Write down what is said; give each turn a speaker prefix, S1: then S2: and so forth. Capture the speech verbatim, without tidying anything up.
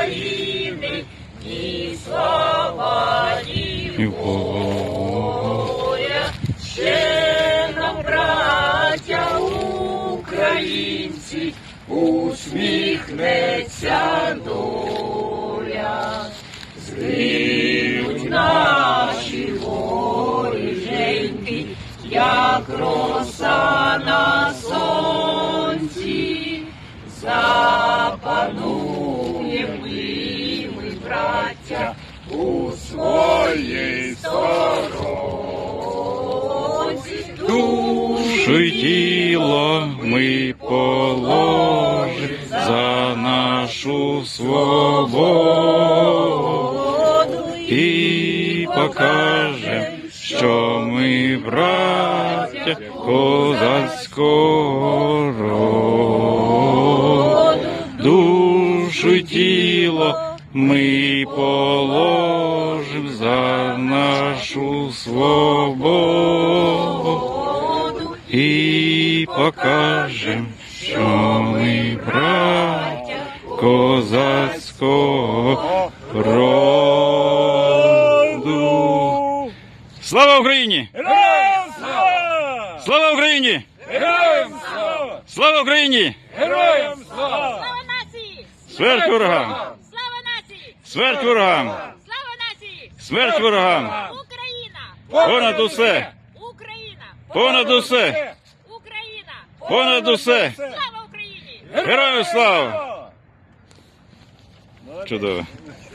S1: України, ні слава, ні воля. Ще нам, браття українці, усміхнеться доля. Згинуть наші воріженьки, як роса на сонці. Запануємо ми, ми, браття, у своїй сторонці.
S2: Душу й тіло ми положим за нашу свободу і покажем, що ми браття козацького роду. Душу й тіло ми положим за нашу свободу і покажем, що ми браття козацького роду. Слава Україні!
S3: Героям слава!
S2: Слава Україні!
S3: Героям слава!
S2: Слава Україні!
S3: Героям слава!
S4: Слава нації!
S2: Смерть ворогам!
S4: Слава нації!
S2: Смерть ворогам!
S4: Слава нації!
S2: Смерть ворогам!
S4: Україна!
S2: Понад усе!
S4: Україна!
S2: Понад усе!
S4: Україна!
S2: Понад усе!
S4: Слава Україні!
S2: Героям слава! Чудово!